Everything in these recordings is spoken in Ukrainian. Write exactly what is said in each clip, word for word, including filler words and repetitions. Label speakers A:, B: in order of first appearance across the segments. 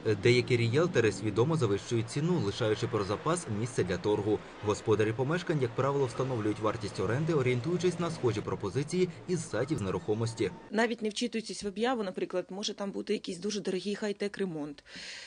A: Деякі ріелтори свідомо завищують ціну, лишаючи про запас місце для торгу. Господарі помешкань, як правило, встановлюють вартість оренди, орієнтуючись на схожі пропозиції із сайтів з нерухомості.
B: Навіть не вчитуючись в об'яву, наприклад, може там бути якийсь дуже дорогий хай-тек ремонт.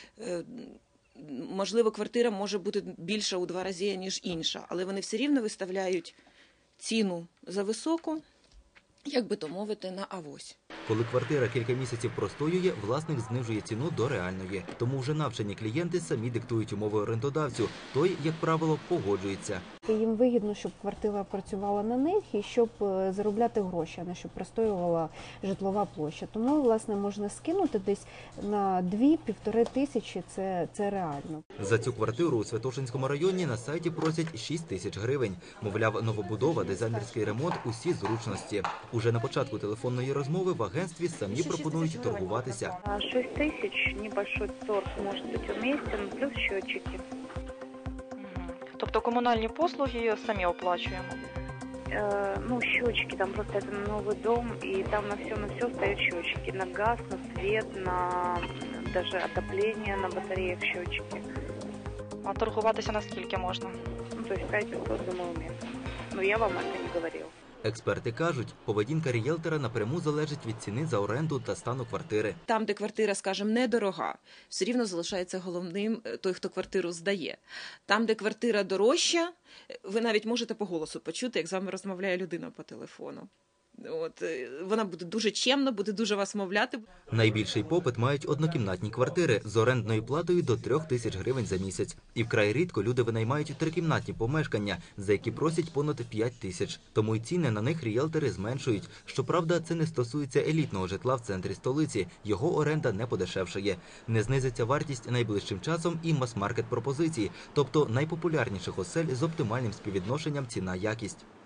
B: Можливо, квартира може бути більша у два рази, ніж інша, але вони все рівно виставляють ціну за високу, як би то мовити, на авось.
A: Коли квартира кілька місяців простоює, власник знижує ціну до реальної. Тому вже навчені клієнти самі диктують умови орендодавцю. Той, як правило, погоджується.
C: Їм вигідно, щоб квартира працювала на них і щоб заробляти гроші, а не щоб простоювала житлова площа. Тому, власне, можна скинути десь на дві-півтори тисячі, це, це реально.
A: За цю квартиру у Святошинському районі на сайті просять шість тисяч гривень. Мовляв, новобудова, дизайнерський ремонт, усі зручності. Уже на початку телефонної розмови в агентстві самі пропонують торгуватися.
D: шість тисяч, небольшой торг може бути уместен, плюс счетчики.
E: Тобто комунальні послуги самі оплачуємо?
D: Э, ну, счетчики, там просто это новый дом, и там на все, на все стоят счетчики. На газ, на свет, на даже отопление, на батареях счетчики.
E: А торгуватися наскільки можна?
D: Ну, то есть пять пятьсот, думаю, уместно. Но я вам это не говорила.
A: Експерти кажуть, поведінка ріелтора напряму залежить від ціни за оренду та стану квартири.
B: Там, де квартира, скажімо, недорога, все рівно залишається головним той, хто квартиру здає. Там, де квартира дорожча, ви навіть можете по голосу почути, як з вами розмовляє людина по телефону. От, вона буде дуже чемно, буде дуже вас мовляти.
A: Найбільший попит мають однокімнатні квартири з орендною платою до трьох тисяч гривень за місяць. І вкрай рідко люди винаймають трикімнатні помешкання, за які просять понад п'ять тисяч. Тому й ціни на них ріелтори зменшують. Щоправда, це не стосується елітного житла в центрі столиці. Його оренда не подешевшає. Не знизиться вартість найближчим часом і мас-маркет пропозицій, тобто найпопулярніших осель з оптимальним співвідношенням ціна-якість.